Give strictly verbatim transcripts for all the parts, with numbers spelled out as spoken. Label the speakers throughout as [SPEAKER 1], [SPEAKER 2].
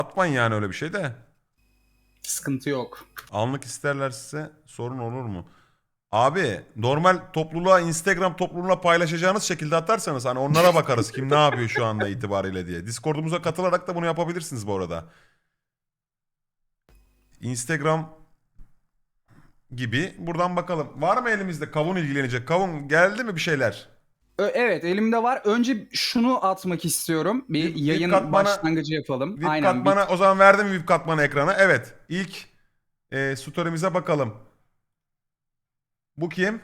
[SPEAKER 1] Atmayın yani öyle bir şey de.
[SPEAKER 2] Sıkıntı yok.
[SPEAKER 1] Anlık isterlerse sorun olur mu? Abi normal topluluğa, Instagram topluluğuna paylaşacağınız şekilde atarsanız hani onlara bakarız kim ne yapıyor şu anda itibariyle diye. Discord'umuza katılarak da bunu yapabilirsiniz bu arada. Instagram gibi buradan bakalım. Var mı elimizde kavun ilgilenecek? Kavun geldi mi bir şeyler?
[SPEAKER 2] Ö- Evet, elimde var. Önce şunu atmak istiyorum. Bir
[SPEAKER 1] V I P
[SPEAKER 2] yayın
[SPEAKER 1] katmana,
[SPEAKER 2] başlangıcı yapalım.
[SPEAKER 1] V I P
[SPEAKER 2] Aynen. Bir...
[SPEAKER 1] katmana o zaman verdim mi V I P katmanı ekrana? Evet. İlk e, story'mize bakalım. Bu kim?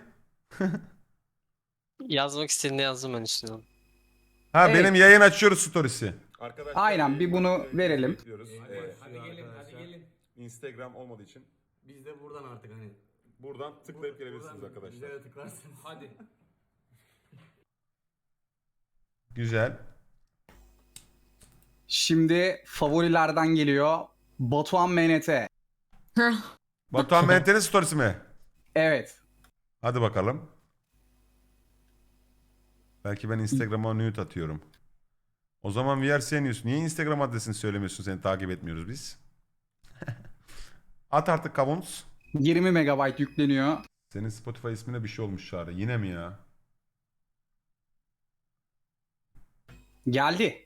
[SPEAKER 3] Yazmak istediğinde yazdım ben üstüne.
[SPEAKER 1] Ha
[SPEAKER 2] Evet.
[SPEAKER 1] benim yayın açıyoruz storiesi. Arkadaşlar
[SPEAKER 2] Aynen, bir bunu verelim.
[SPEAKER 1] bekliyoruz.
[SPEAKER 4] Ee, hadi gelin, hadi gelin.
[SPEAKER 1] Instagram olmadığı için
[SPEAKER 4] Biz de buradan artık hani.
[SPEAKER 1] buradan tıklayıp gelebilirsiniz
[SPEAKER 4] Buradan
[SPEAKER 1] arkadaşlar.
[SPEAKER 4] Bizlere tıklarsınız. Hadi.
[SPEAKER 1] Güzel.
[SPEAKER 2] Şimdi favorilerden geliyor. Batuhan M N T.
[SPEAKER 1] Batuhan Mente'nin storiesi mi?
[SPEAKER 2] Evet.
[SPEAKER 1] Hadi bakalım. Belki ben Instagram'a nude atıyorum. O zaman V R C News. Niye Instagram adresini söylemiyorsun? Seni takip etmiyoruz biz. At artık kavuns.
[SPEAKER 2] yirmi megabayt yükleniyor.
[SPEAKER 1] Senin Spotify ismine bir şey olmuş Çağrı. Yine mi ya?
[SPEAKER 2] Geldi.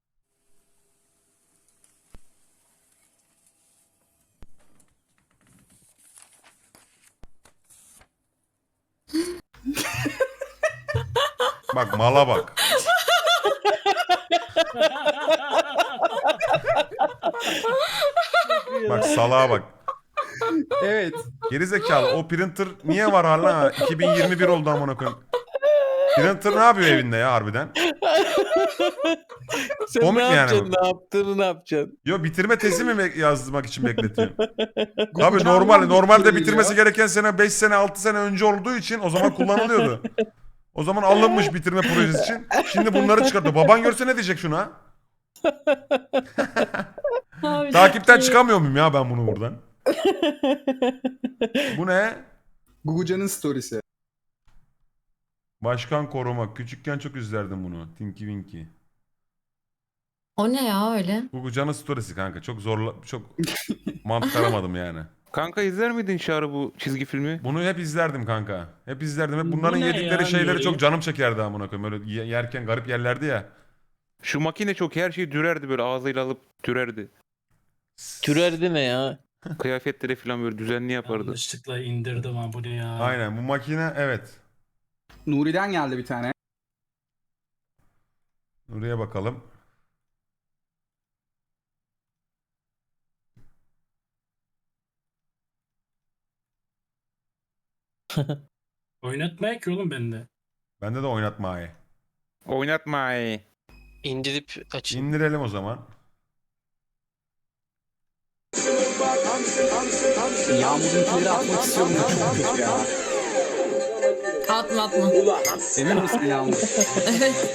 [SPEAKER 1] Bak mala bak. Bak salağa bak.
[SPEAKER 2] Evet.
[SPEAKER 1] Gerizekalı o printer niye var hala? iki bin yirmi bir oldu amına koyayım. Printer ne yapıyor evinde ya harbiden?
[SPEAKER 5] Sen
[SPEAKER 1] Komik
[SPEAKER 5] ne
[SPEAKER 1] yani
[SPEAKER 5] yapacaksın?
[SPEAKER 1] bu.
[SPEAKER 5] Ne yaptığını ne yapacaksın?
[SPEAKER 1] Yo bitirme tezi mi bek- yazmak için bekletiyorum? Abi
[SPEAKER 2] Gugucan
[SPEAKER 1] normal
[SPEAKER 2] bir
[SPEAKER 1] normalde
[SPEAKER 2] geliyor.
[SPEAKER 1] bitirmesi gereken sene beş sene altı sene önce olduğu için o zaman kullanılıyordu. O zaman alınmış bitirme projesi için. Şimdi bunları çıkartıyor. Baban görse ne diyecek şuna?
[SPEAKER 6] Abi
[SPEAKER 1] Takipten
[SPEAKER 6] çok iyi.
[SPEAKER 1] çıkamıyor muyum ya ben bunu buradan? Bu ne?
[SPEAKER 2] Gugucan'ın storiesi.
[SPEAKER 1] Başkan koruma. Küçükken çok izlerdim bunu. Tinky Winky.
[SPEAKER 6] O ne ya öyle?
[SPEAKER 1] Bu canın storiesi kanka. Çok zorla çok mantık aramadım yani.
[SPEAKER 5] Kanka izler miydin Çağrı bu çizgi filmi?
[SPEAKER 1] Bunu hep izlerdim kanka. Hep izlerdim. Hep
[SPEAKER 7] Bu
[SPEAKER 1] bunların
[SPEAKER 7] ne
[SPEAKER 1] yedikleri
[SPEAKER 7] ya,
[SPEAKER 1] şeyleri
[SPEAKER 7] Nuri?
[SPEAKER 1] çok canım çekerdi amına koyayım. Öyle ye- yerken garip yerlerdi ya.
[SPEAKER 5] Şu makine çok her şeyi dürerdi böyle ağzıyla alıp dürerdi.
[SPEAKER 7] Türerdi ne ya?
[SPEAKER 5] Kıyafetleri falan böyle düzenli yapardı.
[SPEAKER 7] Yanlışlıkla indirdim ha bu ne ya?
[SPEAKER 1] Aynen bu makine evet.
[SPEAKER 2] Nuri'den geldi bir tane.
[SPEAKER 1] Nuriye bakalım.
[SPEAKER 7] Oynatmaya ki oğlum bende.
[SPEAKER 1] Bende de oynatma ayı.
[SPEAKER 5] Oynatma ay.
[SPEAKER 3] İndirip açayım.
[SPEAKER 1] İndirelim o zaman.
[SPEAKER 2] Yağmur'unkileri atmak istiyorum da çok kötü ya.
[SPEAKER 6] Atma atma.
[SPEAKER 2] Emin misin Yağmur?
[SPEAKER 6] Evet.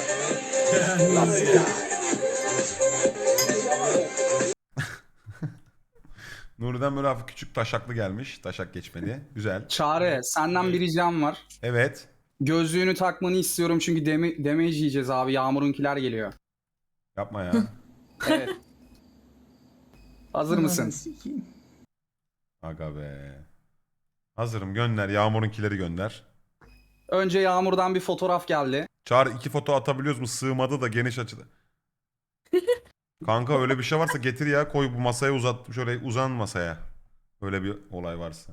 [SPEAKER 1] Nuri'den böyle hafif küçük taşaklı gelmiş. Taşak geçmedi. Güzel.
[SPEAKER 2] Çağrı, senden bir ricam var.
[SPEAKER 1] Evet.
[SPEAKER 2] Gözlüğünü takmanı istiyorum çünkü deme damage yiyeceğiz abi. Yağmur'unkiler geliyor.
[SPEAKER 1] Yapma ya.
[SPEAKER 2] Evet. Hazır mısın?
[SPEAKER 1] Aga be. Hazırım gönder. Yağmur'unkileri gönder.
[SPEAKER 2] Önce Yağmur'dan bir fotoğraf geldi.
[SPEAKER 1] Çağrı iki foto atabiliyoruz mu? Sığmadı da geniş açıda. Kanka öyle bir şey varsa getir ya. Koy bu masaya uzat. Şöyle uzan masaya. Öyle bir olay varsa.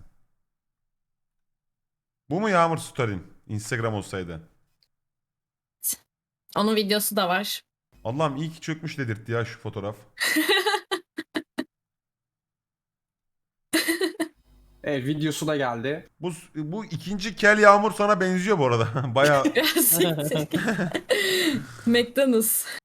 [SPEAKER 1] Bu mu Yağmur Story'in? Instagram olsaydı.
[SPEAKER 6] Onun videosu da var.
[SPEAKER 1] Allah'ım iyi ki çökmüş dedirtti ya şu fotoğraf.
[SPEAKER 2] Evet, videosu da geldi.
[SPEAKER 1] Bu, bu ikinci kel Yağmur sana benziyor bu arada. Baya
[SPEAKER 6] Ya siktir. McDonald's.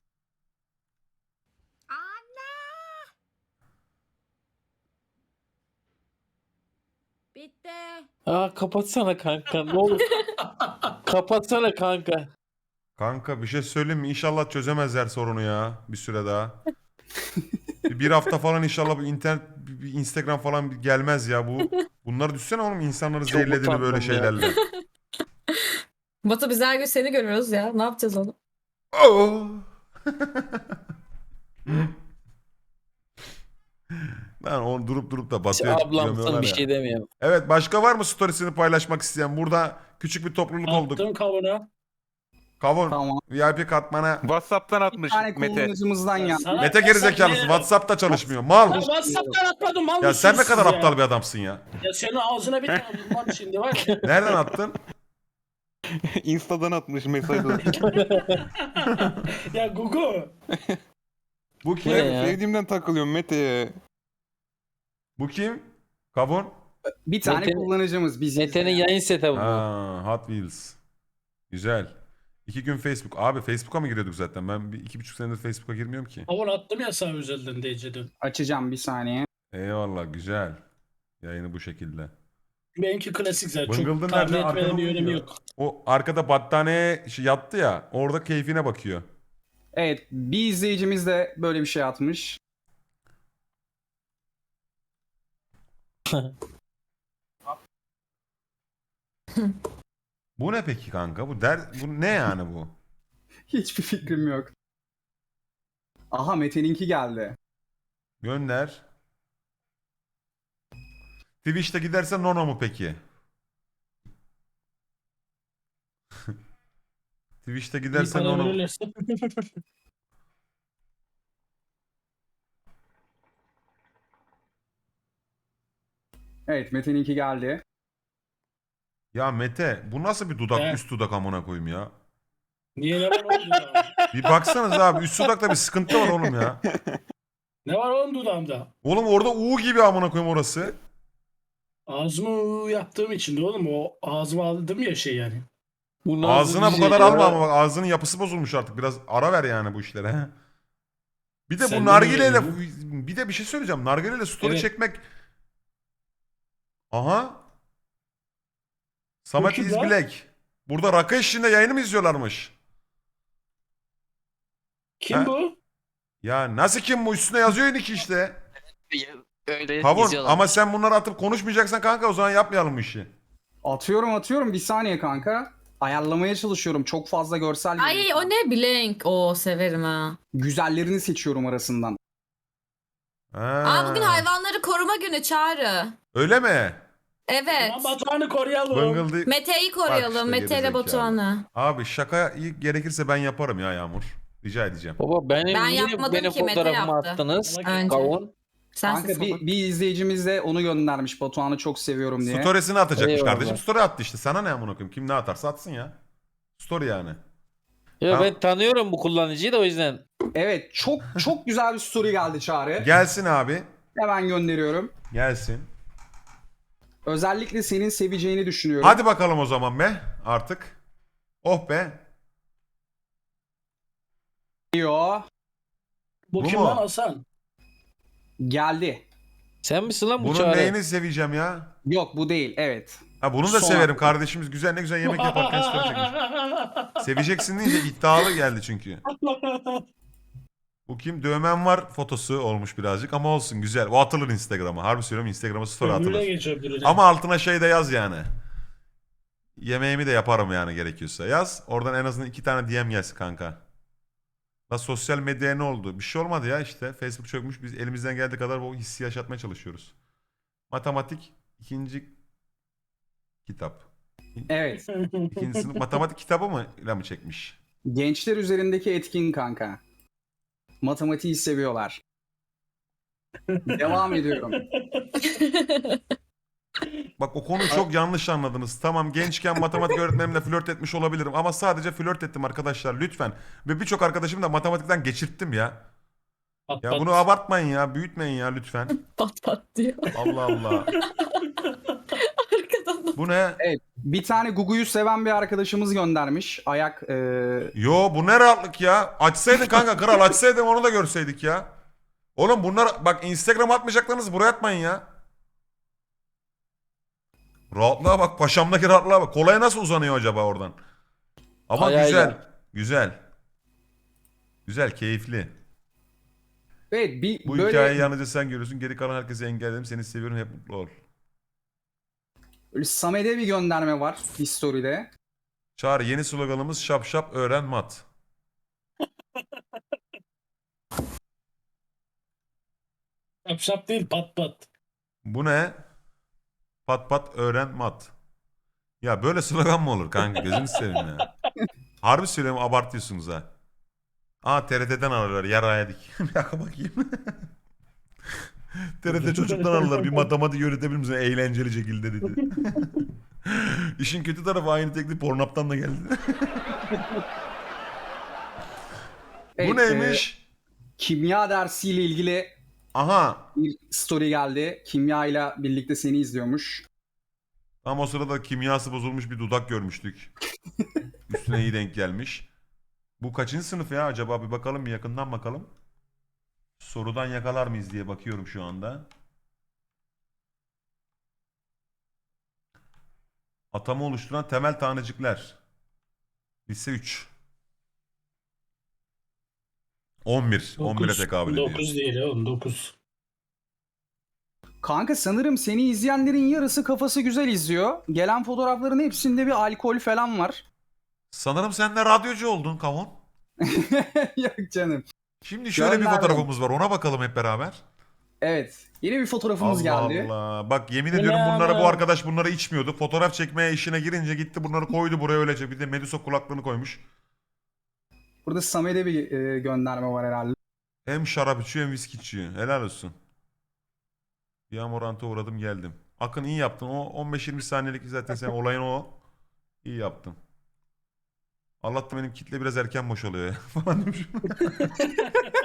[SPEAKER 8] Bitti.
[SPEAKER 7] Aa kapatsana kanka ne olur. Kapatsana kanka.
[SPEAKER 1] kanka bir şey söyleyeyim mi? İnşallah çözemezler sorunu ya bir süre daha. bir, bir hafta falan inşallah bu internet bir, bir Instagram falan bir gelmez ya bu. Bunları düşsene oğlum insanları
[SPEAKER 7] Çok
[SPEAKER 1] zehirlediğini
[SPEAKER 7] utandım
[SPEAKER 1] böyle
[SPEAKER 7] ya.
[SPEAKER 1] şeylerle.
[SPEAKER 6] Batu biz her gün seni görüyoruz ya. Ne yapacağız onu?
[SPEAKER 1] Oh. Lan o durup durup da batıyor.
[SPEAKER 7] Ablamsın
[SPEAKER 1] gömüyorlar
[SPEAKER 7] bir
[SPEAKER 1] ya.
[SPEAKER 7] şey demiyorum.
[SPEAKER 1] Evet, başka var mı storiesini paylaşmak isteyen? Burada küçük bir topluluk olduk.
[SPEAKER 9] Attım kavuna.
[SPEAKER 1] Kavun
[SPEAKER 2] Tamam.
[SPEAKER 1] V I P katmana.
[SPEAKER 5] WhatsApp'tan
[SPEAKER 2] Bir
[SPEAKER 5] atmış
[SPEAKER 2] tane
[SPEAKER 5] Mete.
[SPEAKER 2] kullanıcımızdan
[SPEAKER 9] Ya
[SPEAKER 2] ya.
[SPEAKER 9] sana-
[SPEAKER 1] Mete gerizekalısı. WhatsApp'ta çalışmıyor. Mal.
[SPEAKER 9] Ya WhatsApp'tan atmadım mal
[SPEAKER 1] Ya sen ne
[SPEAKER 9] mısınız
[SPEAKER 1] kadar
[SPEAKER 9] siz ya?
[SPEAKER 1] aptal bir adamsın ya.
[SPEAKER 9] Ya senin ağzına bir tane vurmam şimdi var ya.
[SPEAKER 1] Nereden attın?
[SPEAKER 5] Insta'dan atmış mesajı.
[SPEAKER 9] Ya Gugu.
[SPEAKER 1] Bu
[SPEAKER 7] Bu ne
[SPEAKER 1] kim?
[SPEAKER 7] ya?
[SPEAKER 5] Sevdiğimden takılıyorum Mete'ye.
[SPEAKER 1] Bu kim? Kavun.
[SPEAKER 2] Bir tane
[SPEAKER 7] Mete'nin-
[SPEAKER 2] kullanıcımız biz.
[SPEAKER 7] Mete'nin yayın setup'ı bu.
[SPEAKER 1] Ha, Hot Wheels. Güzel. İki gün Facebook. Abi Facebook'a mı giriyorduk zaten? Ben bir iki buçuk senedir Facebook'a girmiyorum ki.
[SPEAKER 9] Kavun attım ya sana özelden D C'den.
[SPEAKER 2] Açacağım bir saniye.
[SPEAKER 1] Eyvallah, güzel. Yayını bu şekilde.
[SPEAKER 9] Benimki klasik zaten.
[SPEAKER 1] Bıngıldın
[SPEAKER 9] Çok tahmin
[SPEAKER 1] nerede?
[SPEAKER 9] etmenin
[SPEAKER 1] Arkada
[SPEAKER 9] bir önemi
[SPEAKER 1] uyuyor.
[SPEAKER 9] yok.
[SPEAKER 1] O arkada battaniye şey yattı ya. Orada keyfine bakıyor.
[SPEAKER 2] Evet, bir izleyicimiz de böyle bir şey atmış.
[SPEAKER 1] Bu ne peki kanka? Bu der bu ne yani bu?
[SPEAKER 2] Hiçbir fikrim yok. Aha Mete'ninki geldi.
[SPEAKER 1] Gönder. Twitch'te giderse Nono mu peki? Twitch'te
[SPEAKER 9] İyi
[SPEAKER 1] giderse
[SPEAKER 9] para
[SPEAKER 1] Nono mu?
[SPEAKER 9] verirlerse.
[SPEAKER 2] Evet, Mete'ninki geldi.
[SPEAKER 1] Ya Mete, bu nasıl bir dudak,
[SPEAKER 9] He.
[SPEAKER 1] üst dudak amına koyayım ya?
[SPEAKER 9] Niye ne var oğlum dudağımda?
[SPEAKER 1] Bir baksanız abi, üst dudakta bir sıkıntı var oğlum ya.
[SPEAKER 9] Ne var oğlum dudağımda?
[SPEAKER 1] Oğlum orada U gibi amına koyayım orası.
[SPEAKER 9] Ağzımı yaptığım için de oğlum o ağzıma aldım ya şey yani.
[SPEAKER 7] Bu nasıl
[SPEAKER 1] Ağzına
[SPEAKER 7] bir
[SPEAKER 1] bu
[SPEAKER 7] şey
[SPEAKER 1] kadar
[SPEAKER 7] ya?
[SPEAKER 1] alma ama bak ağzının yapısı bozulmuş artık. Biraz ara ver yani bu işlere. he. Bir de
[SPEAKER 9] Sen
[SPEAKER 1] bu
[SPEAKER 9] de
[SPEAKER 1] nargileyle
[SPEAKER 9] mi
[SPEAKER 1] bir de bir şey söyleyeceğim. Nargileyle story
[SPEAKER 9] Evet.
[SPEAKER 1] çekmek. Aha. Samet
[SPEAKER 9] kim
[SPEAKER 1] is
[SPEAKER 9] lan?
[SPEAKER 1] Black. Burada rakı eşliğinde yayını mı izliyorlarmış?
[SPEAKER 9] Kim
[SPEAKER 1] Ha?
[SPEAKER 9] bu?
[SPEAKER 1] Ya nasıl kim bu? Üstüne yazıyor ki işte.
[SPEAKER 3] Öyle
[SPEAKER 1] Kavun
[SPEAKER 3] izliyorlar.
[SPEAKER 1] ama sen bunları atıp konuşmayacaksan kanka o zaman yapmayalım bu işi.
[SPEAKER 2] Atıyorum atıyorum bir saniye kanka. Ayarlamaya çalışıyorum. Çok fazla görsel
[SPEAKER 6] Ay
[SPEAKER 2] geliyor.
[SPEAKER 6] o ne blank. O severim ha.
[SPEAKER 2] Güzellerini seçiyorum arasından.
[SPEAKER 1] Ha.
[SPEAKER 6] Aa bugün hayvanları koruma günü Çağrı.
[SPEAKER 1] Öyle mi?
[SPEAKER 6] Evet.
[SPEAKER 9] Aman Batuhan'ı koruyalım.
[SPEAKER 1] Bıngıldı.
[SPEAKER 6] Mete'yi
[SPEAKER 1] Bak
[SPEAKER 6] koruyalım.
[SPEAKER 1] işte
[SPEAKER 6] Mete ile
[SPEAKER 1] gerizekalı.
[SPEAKER 6] Batuhan'ı.
[SPEAKER 1] Abi şaka iyi gerekirse ben yaparım ya Yağmur. Rica edeceğim.
[SPEAKER 7] Baba benim
[SPEAKER 6] Ben
[SPEAKER 7] niye
[SPEAKER 6] yapmadım
[SPEAKER 7] benim
[SPEAKER 6] ki, Mete
[SPEAKER 7] fotoğrafımı
[SPEAKER 6] yaptı.
[SPEAKER 7] attınız?
[SPEAKER 6] Önce.
[SPEAKER 7] Kavun.
[SPEAKER 6] Sensin
[SPEAKER 2] Kanka bir,
[SPEAKER 6] salak.
[SPEAKER 2] bir izleyicimiz de onu göndermiş. Batuhan'ı çok seviyorum diye.
[SPEAKER 1] Storiesini atacakmış
[SPEAKER 7] Eyvallah.
[SPEAKER 1] kardeşim. Story attı işte. Sana ne amına koyayım? Kim ne atarsa atsın ya. Story yani.
[SPEAKER 7] Ya
[SPEAKER 1] Ha.
[SPEAKER 7] ben tanıyorum bu kullanıcıyı da o yüzden.
[SPEAKER 2] Evet çok çok güzel bir story geldi Çağrı.
[SPEAKER 1] Gelsin abi.
[SPEAKER 2] Hemen gönderiyorum.
[SPEAKER 1] Gelsin.
[SPEAKER 2] Özellikle senin seveceğini düşünüyorum.
[SPEAKER 1] Hadi bakalım o zaman be artık. Oh be.
[SPEAKER 2] Diyor.
[SPEAKER 9] Bu
[SPEAKER 1] Bu
[SPEAKER 9] kim
[SPEAKER 1] mu?
[SPEAKER 9] lan Hasan?
[SPEAKER 2] Geldi.
[SPEAKER 7] Sen misin lan bu
[SPEAKER 1] Bunun
[SPEAKER 7] Çağrı?
[SPEAKER 1] neyini seveceğim ya?
[SPEAKER 2] Yok bu değil evet.
[SPEAKER 1] Ha bunu da
[SPEAKER 2] Son
[SPEAKER 1] severim.
[SPEAKER 2] hakkı.
[SPEAKER 1] Kardeşimiz güzel ne güzel yemek yaparken story çekmiş. Seveceksin deyince iddialı geldi çünkü. Bu kim? Dövmem var fotosu olmuş birazcık ama olsun güzel. O atılır Instagram'a. Harbi söylüyorum Instagram'a story
[SPEAKER 9] Ömrüne
[SPEAKER 1] atılır.
[SPEAKER 9] geçebilir.
[SPEAKER 1] Ama altına şey de yaz yani. Yemeğimi de yaparım yani gerekiyorsa. Yaz. Oradan en azından iki tane D M gelsin kanka. La sosyal medyaya ne oldu? Bir şey olmadı ya işte. Facebook çökmüş. Biz elimizden geldiği kadar o hissi yaşatmaya çalışıyoruz. Matematik ikinci kitap.
[SPEAKER 2] Evet.
[SPEAKER 1] İkinci sınıf matematik kitabı mı ile mi çekmiş?
[SPEAKER 2] Gençler üzerindeki etkin kanka. Matematiği seviyorlar. Devam ediyorum.
[SPEAKER 1] Bak o konuyu çok yanlış anladınız. Tamam gençken matematik öğretmenimle flört etmiş olabilirim ama sadece flört ettim arkadaşlar lütfen. Ve birçok arkadaşımı da matematikten geçirttim ya.
[SPEAKER 9] Pat
[SPEAKER 1] Ya
[SPEAKER 9] pat.
[SPEAKER 1] bunu abartmayın ya, büyütmeyin ya lütfen.
[SPEAKER 6] Pat pat diyor.
[SPEAKER 1] Allah Allah.
[SPEAKER 6] Arkadan da-
[SPEAKER 1] Bu ne?
[SPEAKER 2] Bir tane Gugu'yu seven bir arkadaşımız göndermiş. Ayak e,
[SPEAKER 1] Yo bu ne rahatlık ya. Açsaydın kanka kral açsaydın onu da görseydik ya. Oğlum bunlar bak Instagram atmayacaklarınızı buraya atmayın ya. Rahatlığa bak paşamdaki rahatlığa bak. Kolaya nasıl uzanıyor acaba oradan? Ama
[SPEAKER 7] Ayağıyla.
[SPEAKER 1] güzel. Güzel. Güzel keyifli.
[SPEAKER 2] evet bir
[SPEAKER 1] Bu
[SPEAKER 2] böyle,
[SPEAKER 1] hikayeyi yalnızca sen görüyorsun. Geri kalan herkesi engelledim. Seni seviyorum. Hep mutlu ol.
[SPEAKER 2] böyle Samet'e bir gönderme var bir story'de.
[SPEAKER 1] Çağrı yeni sloganımız şap şap öğren mat.
[SPEAKER 9] Şap şap değil pat pat.
[SPEAKER 1] Bu ne? Pat pat öğren mat. Ya böyle slogan mı olur kanka? Gözünü seveyim ya. Harbi söylüyorum, abartıyorsunuz ha. Aa T R T'den alırlar. Yaraya dik. Bir dakika bakayım. T R T çocuktan alırlar. Bir matematik öğretebilir misin? Eğlenceli şekilde dedi. İşin kötü tarafı aynı teklif Pornhub'dan da geldi.
[SPEAKER 2] Evet,
[SPEAKER 1] Bu neymiş?
[SPEAKER 2] e, kimya dersiyle ilgili
[SPEAKER 1] Aha.
[SPEAKER 2] bir story geldi. Kimya ile birlikte seni izliyormuş.
[SPEAKER 1] Tam o sırada kimyası bozulmuş bir dudak görmüştük. Üstüne iyi denk gelmiş. Bu kaçıncı sınıf ya acaba? Bir bakalım, bir yakından bakalım. Sorudan yakalar mıyız diye bakıyorum şu anda. Atomu oluşturan temel tanecikler. Lise üç. on bir. on bire tekabül ediyor.
[SPEAKER 9] dokuz değil oğlum dokuz.
[SPEAKER 2] Kanka sanırım seni izleyenlerin yarısı kafası güzel izliyor. Gelen fotoğrafların hepsinde bir alkol falan var.
[SPEAKER 1] Sanırım sen de radyocu oldun kavun.
[SPEAKER 2] Yok canım.
[SPEAKER 1] Şimdi şöyle bir
[SPEAKER 2] Gönderdim.
[SPEAKER 1] fotoğrafımız var. Ona bakalım hep beraber.
[SPEAKER 2] Evet. Yeni bir fotoğrafımız
[SPEAKER 1] Allah
[SPEAKER 2] geldi.
[SPEAKER 1] Allah. Bak yemin ediyorum bunlara, bu arkadaş bunları içmiyordu. Fotoğraf çekmeye işine girince gitti bunları koydu buraya öylece. Bir de Medusa kulaklığını koymuş.
[SPEAKER 2] Burada Samet'e bir e, gönderme var herhalde.
[SPEAKER 1] Hem şarap içiyor hem viski içiyor. Helal olsun. Yağmurant'a uğradım geldim. Akın iyi yaptın. O on beş yirmi saniyelik zaten sen olayın o. İyi yaptın. Allah'tan benim kitle biraz erken boşalıyor ya. Falan demiş.